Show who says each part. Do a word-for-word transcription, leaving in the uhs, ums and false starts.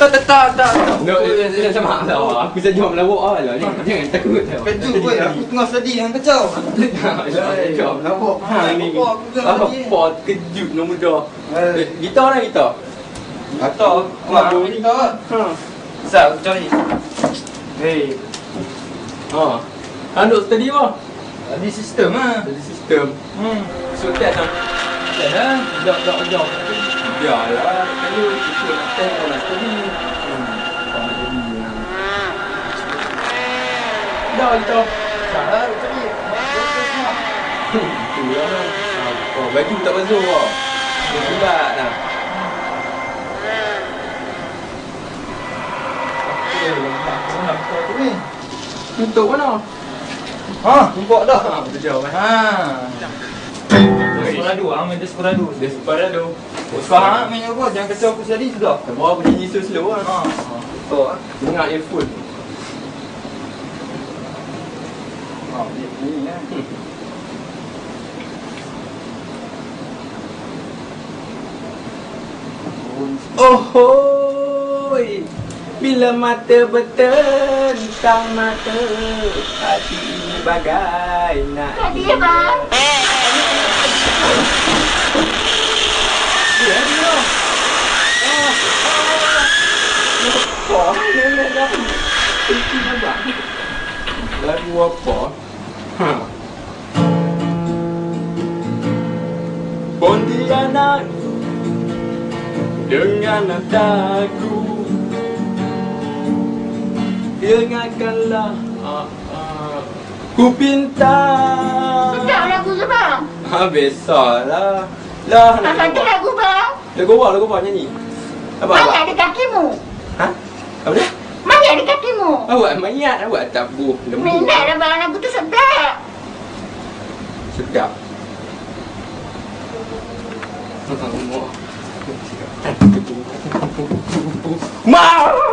Speaker 1: tak tak tak.
Speaker 2: No, macam mana lah. Aku saja melawak lah. Jangan takut.
Speaker 1: Kejut pun aku tengah sedih dengan kacau.
Speaker 2: Kacau melawak. Ha ni. Apa kejut nombor dah. Gitar lah gitar.
Speaker 1: Gitar. Wah, gitar. Ha. Sat aku cari. Hei.
Speaker 2: Ha. Anduk tadi apa?
Speaker 1: Tadi sistem ah.
Speaker 2: Tadi sistem.
Speaker 1: Hmm.
Speaker 2: So test ah.
Speaker 1: Test ah. Jap jap jap.
Speaker 2: Biarlah. Kalau ikut nak test kau nak tadi. Hmm. Kau nak jadi. Dah gitar.
Speaker 1: Salah tadi.
Speaker 2: Tu lah. Oh, baju tak basuh kau. Dia bulat dah. Untuk mana?
Speaker 1: Ha, nampak dah.
Speaker 2: Ha, betul jauh kan?
Speaker 1: Ha. Desperado, ah main Desperado.
Speaker 2: Desperado.
Speaker 1: Faham main apa? Jangan kacau aku sedih sudah.
Speaker 2: Bawa aku nyanyi so slow lah.
Speaker 1: Ha.
Speaker 2: Betul lah. Dengar earphone.
Speaker 1: Ha, ni kan.
Speaker 2: Oh hoi, bila mata bertentang mata, hati ini bagai nak
Speaker 3: Tadi ya bang.
Speaker 2: dia dia. Ah, ah. Apa? Dia dah. Itu apa? Lagu apa? Ha. Pontianak dengan nadaku, dengarkanlah uh, uh, ku pinta.
Speaker 3: Sedap lagu tu bang.
Speaker 2: Ha, besarlah. Lah nak
Speaker 3: Tak satu lagu bang.
Speaker 2: lagu apa? Lagu apa nyanyi? Apa
Speaker 3: Mana
Speaker 2: apa?
Speaker 3: ada kakimu?
Speaker 2: Ha? Apa dia?
Speaker 3: Mana ada kakimu?
Speaker 2: Awak mayat, awak tabuh lembu.
Speaker 3: Minat lah bang, lagu tu sedap.
Speaker 2: Sedap. Mau.